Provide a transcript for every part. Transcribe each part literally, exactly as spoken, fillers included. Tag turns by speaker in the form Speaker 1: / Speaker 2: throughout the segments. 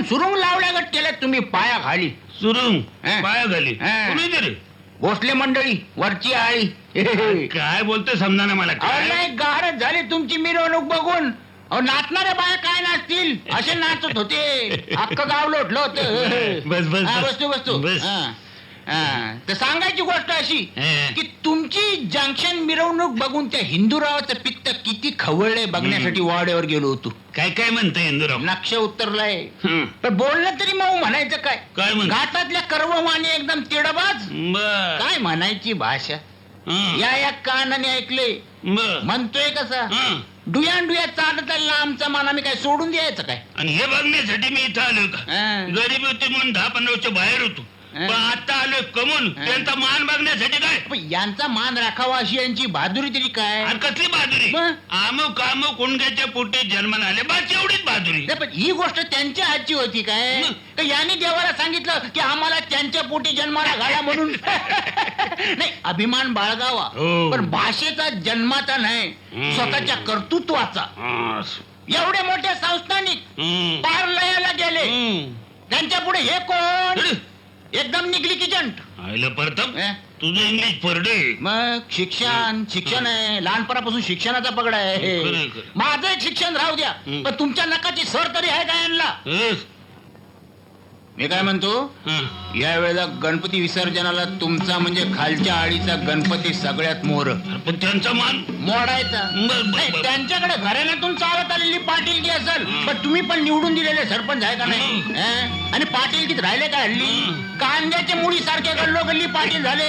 Speaker 1: सुरुंग लावल्यागत केलं तुम्ही पाया खाली.
Speaker 2: सुरुंग
Speaker 1: हा.
Speaker 2: पाया घाली
Speaker 1: हा.
Speaker 2: कुणी तरी
Speaker 1: भोसले मंडळी वरची आळी.
Speaker 2: काय बोलतोय समजा ना मला
Speaker 1: अहो,
Speaker 2: काय
Speaker 1: नाही गारच झाली तुमची मिरवणूक बघून. अहो नाचणाऱ्या बाया काय नाचतील असे नाचत होते. अख्खं गाव लोटलं होतं.
Speaker 2: बस, बस,
Speaker 1: हा,
Speaker 2: बस.
Speaker 1: बसतो बसतो
Speaker 2: बस.
Speaker 1: हा. हा. तर सांगायची गोष्ट अशी
Speaker 2: हा.
Speaker 1: की तुमची जंक्शन मिरवणूक बघून त्या हिंदूरावाचं पित्त किती खवळलंय बघण्यासाठी वाड्यावर गेलो होतो.
Speaker 2: काय काय म्हणतोय इंदुराव
Speaker 1: नक्ष उतरलाय.
Speaker 2: हं.
Speaker 1: पण बोलणं तरी मग म्हणायचं काय.
Speaker 2: काय म्हण
Speaker 1: घाटातल्या कर्वमाने एकदम तिडबाज.
Speaker 2: बर
Speaker 1: काय म्हणायची भाषा.
Speaker 2: हं.
Speaker 1: या या कानाने ऐकले
Speaker 2: बर
Speaker 1: म्हणतोय कसा
Speaker 2: हं.
Speaker 1: डुयान डुया चालत आमचा मान आम्ही काय सोडून द्यायचं काय.
Speaker 2: आणि हे बघण्यासाठी मी इथं आलोय का
Speaker 1: हा.
Speaker 2: गरीबी होती म्हणून दहा पंधरा वर्ष बाहेर होतो
Speaker 1: हा.
Speaker 2: पण आता आलोय कमून
Speaker 1: हा.
Speaker 2: त्यांचा मान बघण्यासाठी काय
Speaker 1: पण यांचा मान राखावा अशी यांची बहादुरी तरी काय.
Speaker 2: आणि कसली बहादुरी
Speaker 1: मग?
Speaker 2: आमो कामो कुंडग्याच्या पोटी जन्माला आले बस एवढीच बहादुरी
Speaker 1: नाही, पण ही गोष्ट त्यांच्या हातची होती काय.
Speaker 2: मग?
Speaker 1: का यांनी देवाला सांगितलं की आम्हाला त्यांच्या पोटी जन्माला घाला म्हणून. नाही अभिमान बाळगावा
Speaker 2: हो.
Speaker 1: पण भाषेचा जन्माचा नाही
Speaker 2: हम्म.
Speaker 1: स्वतःच्या कर्तृत्वाचा.
Speaker 2: हा.
Speaker 1: एवढे मोठे संस्थानिक
Speaker 2: हं.
Speaker 1: पार लयाला गेले
Speaker 2: हं.
Speaker 1: त्यांच्या पुढे हे कोण
Speaker 2: अरे,
Speaker 1: एकदम निघली किचंट.
Speaker 2: आईला परतप
Speaker 1: अं?
Speaker 2: तुझं इंग्लिश परडे
Speaker 1: मग शिक्षण शिक्षण आहे लहानपणापासून शिक्षणाचा पगडा आहे.
Speaker 2: खरंय, खरंय.
Speaker 1: माझं एक शिक्षण राहू द्या
Speaker 2: हं.
Speaker 1: पण तुमच्या नकाची सर तरी आहे का यांना.
Speaker 2: हं.
Speaker 1: मी काय म्हणतो
Speaker 2: हं.
Speaker 1: या वेळेला गणपती विसर्जनाला तुमचा म्हणजे खालच्या आळीचा गणपती सगळ्यात मोर
Speaker 2: पण त्यांचा मान
Speaker 1: मोडायचा.
Speaker 2: बर, बर,
Speaker 1: नाही,
Speaker 2: बर.
Speaker 1: त्यांच्याकडे घराण्यातून चालत आलेली पाटीलकी असेल
Speaker 2: हं.
Speaker 1: पण तुम्ही पण निवडून दिलेले सरपंच आहे का नाही.
Speaker 2: हं.
Speaker 1: हं? आणि पाटीलकीत राहिले का हल्ली
Speaker 2: हं.
Speaker 1: कांद्याच्या मुळी सारखे गल्लो गल्ली पाटील झाले.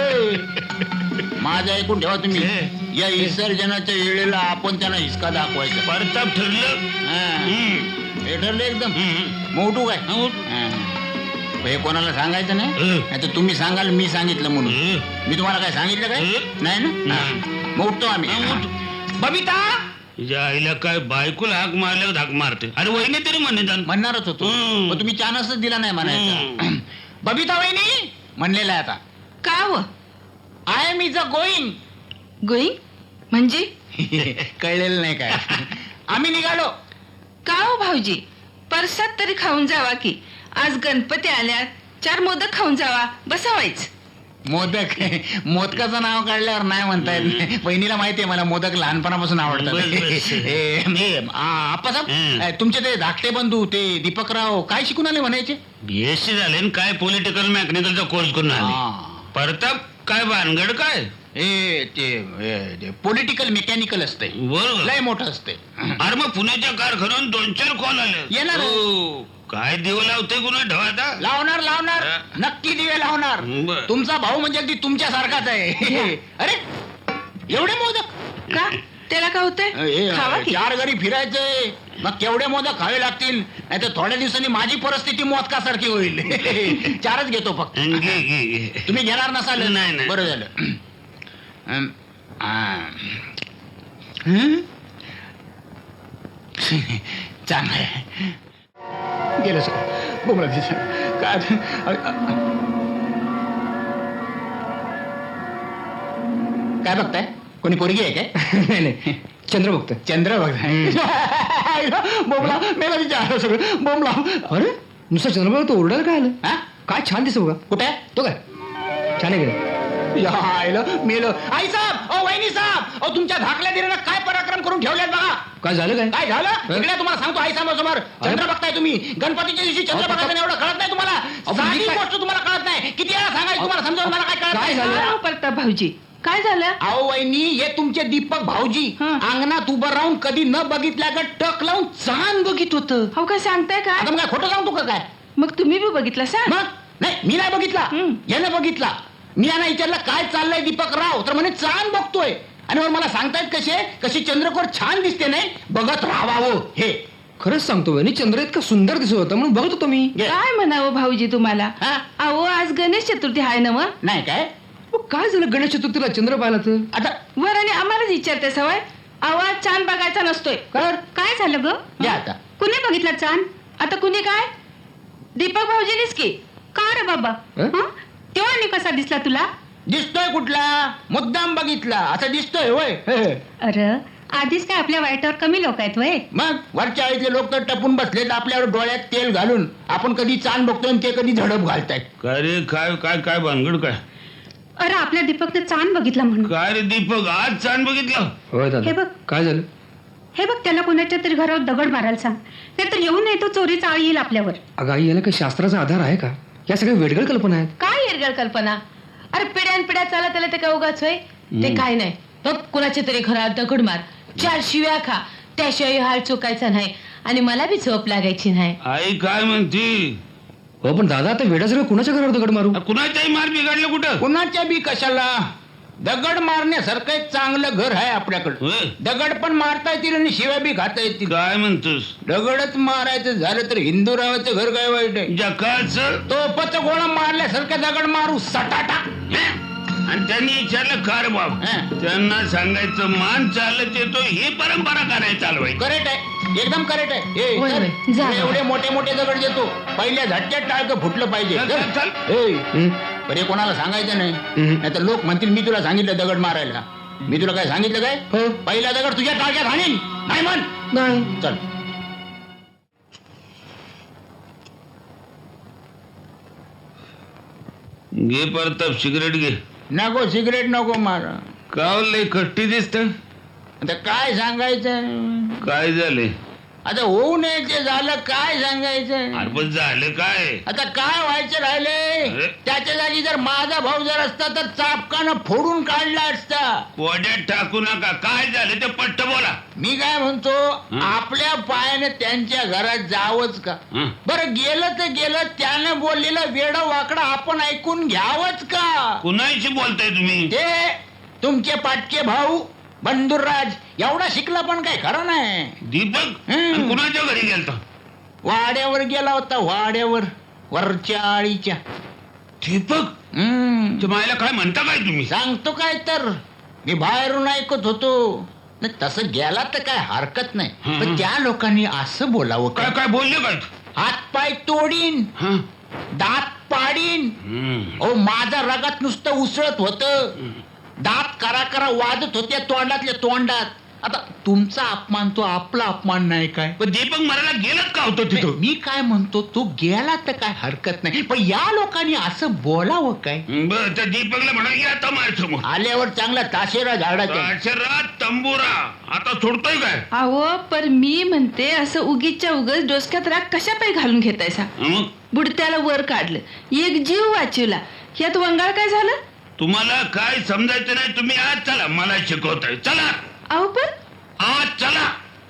Speaker 1: माझं ऐकून ठेवा तुम्ही
Speaker 2: हे.
Speaker 1: या विसर्जनाच्या वेळेला आपण त्यांना हिसका दाखवायचा.
Speaker 2: परताप ठरलं
Speaker 1: हं.
Speaker 2: हं.
Speaker 1: हे ठरलं एकदम
Speaker 2: हं.
Speaker 1: मोठू काय.
Speaker 2: हं.
Speaker 1: हं. हे कोणाला सांगायचं नाही
Speaker 2: हं.
Speaker 1: नाही तर तुम्ही सांगाल मी सांगितलं म्हणून.
Speaker 2: हं.
Speaker 1: मी तुम्हाला काय सांगितलं काय
Speaker 2: हं.
Speaker 1: नाही ना.
Speaker 2: नाही.
Speaker 1: हं. मग उठतो आम्ही.
Speaker 2: हं, उठ.
Speaker 1: बबिता
Speaker 2: तुझ्या आईला काय बायकोला हाक मारल्यावर हाक मारते अरे वहिनी तरी म्हणे जाण
Speaker 1: म्हणणारच होतो
Speaker 2: हं.
Speaker 1: पण तुम्ही चानसच दिला नाही म्हणायचा.
Speaker 2: हं.
Speaker 1: बबिता वहिनी म्हणलेला आहे आता.
Speaker 3: का व
Speaker 1: I am is a going.
Speaker 3: Going म्हणजे
Speaker 1: कळलेलं नाही काय. आम्ही निघालो.
Speaker 3: का हो भाऊजी परसात तरी खाऊन जावा की आज गणपती आल्यात चार मोदक खाऊन जावा बसावायच.
Speaker 1: मोदक मोदकाचं नाव काढल्यावर नाही म्हणता येत नाही. बहिणीला माहिती आहे मला मोदक लहानपणापासून आवडतात.
Speaker 2: बस, बस.
Speaker 1: ए, मी, आ, आप्पासाहेब
Speaker 2: हं.
Speaker 1: ए, तुमचे ते धाकटे बंधू ते दीपकराव काय शिकून आले म्हणायचे.
Speaker 2: बीएससी झाले आणि काय पॉलिटिकल मेकॅनिकलचा कोर्स करून आले
Speaker 1: हा.
Speaker 2: परताप काय भानगड काय
Speaker 1: ए ते पॉलिटिकल मेकॅनिकल असते
Speaker 2: बरोबर
Speaker 1: लय मोठं असते.
Speaker 2: अरे मग पुण्याच्या कारखान्यात दोन चार कॉल आले
Speaker 1: येणार.
Speaker 2: हो. काय देव लावते कुणा ठेवाता
Speaker 1: लावणार लावणार
Speaker 2: हा.
Speaker 1: नक्की दिवे लावणार.
Speaker 2: बरं.
Speaker 1: तुमचा भाऊ म्हणजे अगदी तुमच्या सारखाच आहे. अरे एवढे मोदक
Speaker 3: का त्याला का होतंय
Speaker 1: ए,
Speaker 3: खावा की
Speaker 1: चार घरी फिरायचंय मग केवढे मोदक खावे लागतील नाही तर थोड्या दिवसांनी माझी परिस्थिती मोदकासारखी होईल. चारच घेतो फक्त.
Speaker 2: घे, घे, घे.
Speaker 1: तुम्ही घेणार नसाल.
Speaker 2: नाही, नाही.
Speaker 1: बरं झालं. अम, आ. हं? चांगलं आहे. गेलं सर बोमला काय काय बघताय कोणी पोरगी आहे काय. नाही नाही चंद्र बघतोय. चंद्र बघताय. बोमला मेला विचार सगळं बोमला. अरे नुसतं चंद्र बघतो ओरडायला काय आलं. हा काय छान दिसतो बघा. कुठे आहे तो काय छान आहे गेलं. मेलं आई साहेब ओ वहिनी साहेब ओ तुमच्या धाकल्या दिरानं काय पराक्रम करून ठेवल्यात बघा. काय झालं काय काय झालं इकडे तुम्हाला सांगतो आई साहेब समोर चंद्र बघताय तुम्ही गणपतीच्या दिवशी चंद्र बघायचं एवढं कळत नाही तुम्हाला. साधी गोष्ट तुम्हाला कळत नाही किती वेळा सांगायचं तुम्हाला समजावून मला काय कळत नाही.
Speaker 3: अहो, परताप भाऊजी काय झालं.
Speaker 1: अहो वहिनी हे तुमचे दीपक भाऊजी
Speaker 3: हं.
Speaker 1: अंगणात उभं राहून कधी न बघितल्या का टक लावून चांद बघित होतं.
Speaker 3: हो काय सांगताय काय
Speaker 1: आता मग काय खोटं सांगतो का काय.
Speaker 3: मग तुम्ही बी बघितलं सा
Speaker 1: मग नाही मी नाही बघितला
Speaker 3: हं.
Speaker 1: यानं बघितला. मी यांना विचारलं काय चाललंय दीपक राव तर म्हणे चांद बघतोय आणि मग मला सांगतायत कसे कशी चंद्रकोर छान दिसते नाही बघत राहावं हे.
Speaker 4: खरंच सांगतो बहिणी चंद्र इतका सुंदर दिसत होता म्हणून बघत होतो मी.
Speaker 3: काय म्हणावं भाऊजी तुम्हाला.
Speaker 1: हा?
Speaker 3: अहो आज गणेश चतुर्थी आहे ना मग
Speaker 1: नाही काय
Speaker 4: मग काय झालं गणेश चतुर्थीला चंद्र पाहिला तर.
Speaker 1: आता
Speaker 3: वर आणि आम्हालाच विचारते सवय आवाज चांद बघायचा नसतोय.
Speaker 1: कर
Speaker 3: काय झालं ग
Speaker 1: घ्या आता.
Speaker 3: कुणी बघितला चांद आता कुणी काय दीपक भाऊजीनीच की का रे बाबा
Speaker 4: हं?
Speaker 3: हं? तेव्हा आणि कसा दिसला तुला.
Speaker 1: दिसतोय कुठला मुद्दाम बघितला असं दिसतोय होय.
Speaker 3: अरे
Speaker 5: आधीच काय आपल्या वाईटावर कमी लोक आहेत वय.
Speaker 1: मग वरच्या आळीतले लोक तर टपून बसलेत आपल्यावर डोळ्यात तेल घालून. आपण कधी चांद बघतोय आणि ते कधी झडप घालतायत.
Speaker 2: काय रे काय काय काय भानगड काय
Speaker 5: अरे आपल्या दीपकने चांद बघितला म्हणून.
Speaker 2: काय रे दीपक आज चांद बघितलं.
Speaker 4: होय
Speaker 5: हे
Speaker 4: दादा
Speaker 5: बघ.
Speaker 4: काय झालं?
Speaker 5: हे बघ त्याला कोणाच्या तरी घरावर दगड मारायला सांग, नाहीतर येऊन नाही तो चोरीचा आळ येईल आपल्यावर.
Speaker 4: अगं आई, याला काही शास्त्राचा आधार आहे का? या सगळ्या वेडगळ कल्पना आहेत.
Speaker 6: काय येरगळ कल्पना. अरे पिढ्यान पिढ्या चालत आलं ते काय उगाच होय. ते काय नाही बघ कुणाच्या तरी घरात दगड मार, चार शिव्या खा, त्याशिवाय हाल चुकायचा नाही आणि मला बी झोप लागायची नाही.
Speaker 2: आई काय म्हणती.
Speaker 4: हो पण दादा आता वेडासारखं कुणाच्या घरावर दगड मारू?
Speaker 2: कुणाच्याही मार बिघडलं कुठं.
Speaker 1: कुणाच्या बी कशाला. दगड मारण्यासारखं एक चांगलं घर आहे आपल्याकडं.
Speaker 2: होय.
Speaker 1: दगड पण मारता येतील आणि शिव्या बी खाता येतील.
Speaker 2: काय म्हणतोस.
Speaker 1: दगडच मारायचं झालं तर हिंदूरावाचं घर काय वाईट आहे.
Speaker 2: जकाच
Speaker 1: तोपच गोळा मारल्यासारखं दगड मारू सटाटा.
Speaker 2: आणि त्यांनी विचारलं कार बाब.
Speaker 1: हं.
Speaker 2: त्यांना सांगायचं मान चालत येतो ही परंपरा करायला चालवायची.
Speaker 1: करेक्ट आहे, एकदम करेक्ट आहे. ए,
Speaker 6: होय,
Speaker 1: चल.
Speaker 6: होय. जा,
Speaker 1: तुला
Speaker 6: जा.
Speaker 1: एवढे मोठे मोठे दगड देतो, पहिल्या झटक्यात टाळकं फुटलं पाहिजे.
Speaker 2: चल, चल, चल.
Speaker 1: ए,
Speaker 4: हं?
Speaker 1: बरे कोणाला सांगायचं नाही,
Speaker 4: हं.
Speaker 1: नाही तर लोक म्हणतील मी तुला सांगितलं दगड मारायला. मी तुला काय सांगितलं काय?
Speaker 4: हो.
Speaker 1: पहिला दगड तुझ्या टाळक्यात हाणीन. नाही म्हण.
Speaker 4: नाही.
Speaker 1: चल.
Speaker 2: घे परताप सिगरेट घे.
Speaker 1: नको सिगरेट नको मारा.
Speaker 2: कावले कट्टी दिसत.
Speaker 1: आता काय सांगायचं.
Speaker 2: काय झाले.
Speaker 1: आता होऊ नये ते झालं, काय सांगायचं.
Speaker 2: अरे पण झालं काय.
Speaker 1: आता काय व्हायचं राहिले.
Speaker 2: अरे.
Speaker 1: त्याच्या जागी जर माझा भाऊ जर असता तर चापकानं फोडून काढला असता.
Speaker 2: कोड्यात टाकू नका. काय झालं ते पट्ट बोला.
Speaker 1: मी काय म्हणतो,
Speaker 2: हं?
Speaker 1: आपल्या पायाने त्यांच्या घरात जावंच का.
Speaker 2: हं?
Speaker 1: बरं गेलं तर गेलं, त्यानं बोललेलं वेडं वाकडं आपण ऐकून घ्यावंच का.
Speaker 2: कुणाशी बोलताय तुम्ही.
Speaker 1: ते तुमचे पाटके भाऊ बंधुराज एवढा शिकला पण काय खरं नाही.
Speaker 2: दीपक
Speaker 1: हं.
Speaker 2: आणि कुणाच्या घरी गेलता.
Speaker 1: वाड्यावर गेला होता, वाड्यावर वरच्या आळीच्या.
Speaker 2: दीपक
Speaker 1: हम्म
Speaker 2: त्या मायला काय म्हणता काय तुम्ही.
Speaker 1: सांगतो काय तर, मी बाहेरून ऐकत होतो. नाही तसं गेला तर काय हरकत नाही,
Speaker 2: हं,
Speaker 1: पण
Speaker 2: हं.
Speaker 1: त्या लोकांनी असं बोलावं
Speaker 2: काय
Speaker 1: काय.
Speaker 2: काय बोलले काय.
Speaker 1: हात पाय तोडीन,
Speaker 2: हं?
Speaker 1: दात पाडीन.
Speaker 2: हं.
Speaker 1: ओ माझा रगात नुसतं उसळत होतं. दात करा करा वाजत होते तोंडातल्या तोंडात. आता तुमचा अपमान तो आपला अपमान नाही काय.
Speaker 2: पण दीपक मरायला गेलत का होतं तिथं.
Speaker 1: मी काय म्हणतो, तो गेला तर काय हरकत नाही, पण या लोकांनी असं बोलावं काय.
Speaker 2: बर त्या दीपकला म्हणा या आता मार समोर.
Speaker 1: आल्यावर चांगला ताशेरा झाडाच्या.
Speaker 2: अक्षरात तंबुरा आता सोडतोय काय.
Speaker 3: अहो पर मी म्हणते असं उगीच्या उगच डोसक्यात राग कशा पाय घालून घेतायसा.
Speaker 2: मग
Speaker 3: बुडत्याला वर काढलं, एक जीव वाचवला, यात वंगाळ काय झालं.
Speaker 2: तुम्हाला काय समजायचं नाही. तुम्ही आज चला मला शिकवताय. चला
Speaker 3: अहो पण
Speaker 2: आज चला.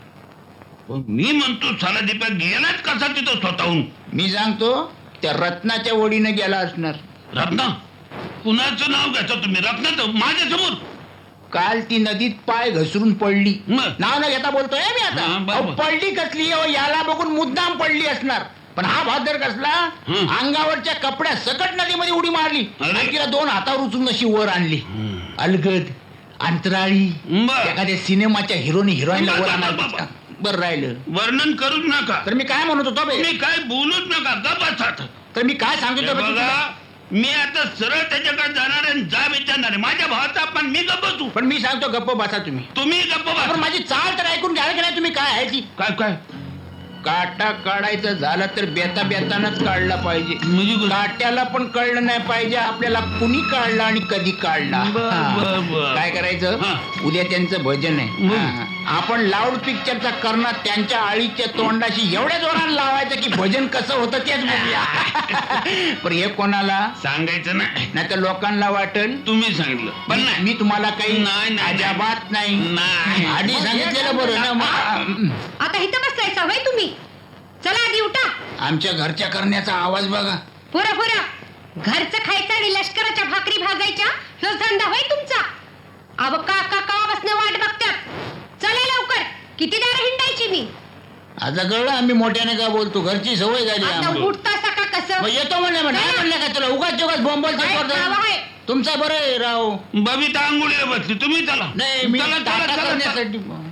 Speaker 2: पण मी म्हणतो चला दीपक गेलाच कसा तिथं स्वतःहून.
Speaker 1: मी सांगतो, त्या रत्नाच्या ओढीने गेला असणार.
Speaker 2: रत्ना कुणाचं नाव घ्यायचं तुम्ही. रत्नाचं माझ्या समोर.
Speaker 1: काल ती नदीत पाय घसरून पडली.
Speaker 2: मग?
Speaker 1: नाव न घेता बोलतोय मी आता.
Speaker 2: हा, बरोबर.
Speaker 1: अहो, पडली कसली हो, याला बघून मुद्दाम पडली असणार. पण हा भादर कसला,
Speaker 2: हं.
Speaker 1: अंगावरच्या कपड्या सकट नदीमध्ये उडी मारली
Speaker 2: अरे.
Speaker 1: आणि तिला दोन हातावर उचलून अशी वर आणली. अलगद अंतराळी
Speaker 2: बर.
Speaker 1: एखाद्या सिनेमाच्या हिरोनी हिरोईनला वर
Speaker 2: बाबा,
Speaker 1: आणायचं.
Speaker 2: बाबा.
Speaker 1: बरं राहिलं.
Speaker 2: वर्णन करूच नका.
Speaker 1: तर मी काय म्हणत होतो बे?
Speaker 2: तुम्ही काय बोलूच नका. गप्प
Speaker 1: तर मी काय सांगतो बे
Speaker 2: बघा
Speaker 1: तुला?
Speaker 2: मी आता सरळ त्याच्याकडे जाणार आहे. जा विचारणार आहे माझ्या भावाचा. पण मी गप्प बसू.
Speaker 1: पण मी सांगतो गप्प बसा तुम्ही.
Speaker 2: तुम्ही गप्प
Speaker 1: पण
Speaker 2: बसा.
Speaker 1: माझी चाल तर ऐकून घ्याल की नाही तुम्ही. काय आहे ती
Speaker 2: काय काय
Speaker 1: काटा काढायचं झालं तर बेता बेतानच काढला पाहिजे.
Speaker 2: म्हणजे कसं?
Speaker 1: काट्याला पण कळलं नाही पाहिजे आपल्याला कुणी काढला आणि कधी काढला.
Speaker 2: बर,
Speaker 1: हा.
Speaker 2: बर, बर.
Speaker 1: काय करायचं,
Speaker 2: हा.
Speaker 1: उद्या त्यांचं भजन आहे.
Speaker 2: मग?
Speaker 1: हा. आपण लाऊड पिक्चरचा करणं त्यांच्या आळीच्या तोंडाशी एवढ्या जोरानं लावायचं की भजन कसं होतं तेच बघूया. पण हे कोणाला
Speaker 2: सांगायचं नाही.
Speaker 1: नाही तर लोकांना वाटेल
Speaker 2: तुम्ही सांगितलं पण नाही.
Speaker 1: मी तुम्हाला काही
Speaker 2: नाही, नाही,
Speaker 1: अजाबात नाही.
Speaker 2: नाही.
Speaker 1: आधी सांगितलेलं बरं ना. मग
Speaker 5: आता इथं बसलायचा वय तुम्ही. चला आधी उठा.
Speaker 1: आमच्या घरच्या करण्याचा आवाज बघा.
Speaker 5: पुरा पुरा घरचं खायचं आणि लष्कराच्या भाकरी भाजायच्या ह्यो धंदा होय तुमचा. अव काका कावापासून वाट बघतात. चला लवकर, किती दार हिंडायची मी.
Speaker 1: आता कळलं आम्ही मोठ्याने का बोलतो. घरची सवय झाली
Speaker 5: आता
Speaker 1: आम्हाला.
Speaker 5: उठतासा का कसं.
Speaker 1: मग येतो म्हणले मग नाही म्हणलं का तुला उगाच जोगाच बोंबल
Speaker 5: काय खावं आहे?
Speaker 1: तुमचा बरं आहे राव.
Speaker 2: बबिता आंघोळीला बसली. तुम्ही चला.
Speaker 1: नाही मी
Speaker 2: चला, चला,
Speaker 1: टाटा
Speaker 2: चला, चला.
Speaker 1: करण्यासाठी